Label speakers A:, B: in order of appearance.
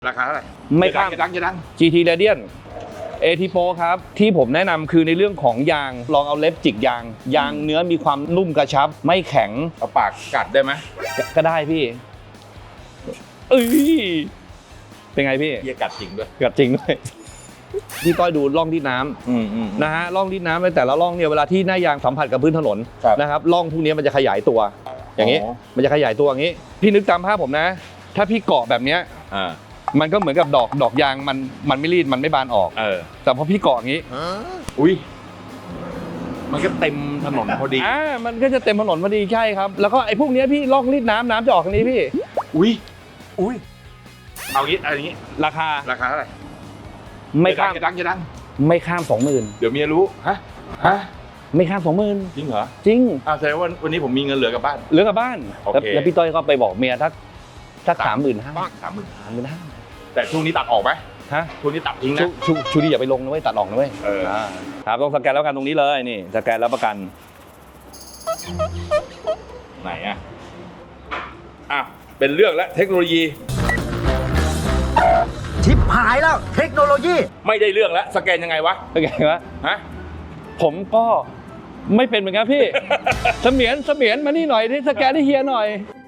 A: ราคาเท่าไหร่
B: ไม่ข้าม
A: จะดัง
B: GT Radiant AT Pro ครับที่ผมแนะนำคือในเรื่องของยางลองเอาเล็บจิกยางเนื้อมีความนุ่มกระชับไม่แข็ง
A: เอาปากกัดได้ไหม
B: ก็ได้พี่เอ้ยเป็นไงพี่
A: เหี้ยกัดจริงด้วย
B: กัดจริงด้วยพี่ต้อยดูร่องที่น้ำนะฮะร่องที่น้ำในแต่ละร่องเนี่ยเวลาที่หน้ายางสัมผัสกับพื้นถนนนะครับร่องพวกนี้มันจะขยายตัวอย่างนี้มันจะขยายตัวอย่างนี้พี่นึกตามภาพผมนะถ้าพี่เกาะแบบเนี้ยมันก็เหมือนกับดอกยางมันไม่รีดมันไม่บานออกแต่พอพี่เกาะอย่างนี้
A: อุ้ยมันก็เต็มถนนพอดี
B: มันก็จะเต็มถนนพอดีใช่ครับแล้วก็ไอ้พวกนี้พี่ล่องรีดน้ำจะออกทางนี้พี่
A: อุ้ยเอางี้อะไรงี้
B: ราคา
A: เท่าไหร่
B: ไม่ข้าม
A: จะดัง
B: ไม่ข้าม 20,000
A: เดี๋ยวเมียรู้ฮะ
B: ไม่ข้าม 20,000
A: จริงเหรอ
B: จริง
A: แสดงว่าวันนี้ผมมีเงินเหลือกลับบ้าน
B: แล้วพี่ต้อยก็ไปบอกเมียถ้า
A: 35,000แต่ช่วงนี้ตัดออกไหมช่วงนี้ตัดทิ้งนะ
B: ชูดีอย่าไปลงนะเว้ยตัดออกนะเว้ยครับต้องสแกนแล้วกันตรงนี้เลยนี่สแกนแล้วประกัน
A: ไหนเป็นเรื่องแล้วเทคโนโลยี
C: ชิปหายแล้วเทคโนโลยี
A: ไม่ได้เรื่องแล้วสแกนยังไงวะ
B: ผมก็ไม่เป็นเหมือนกันพี่เสมียนมานี่หน่อยที่สแกนให้เฮียหน่อย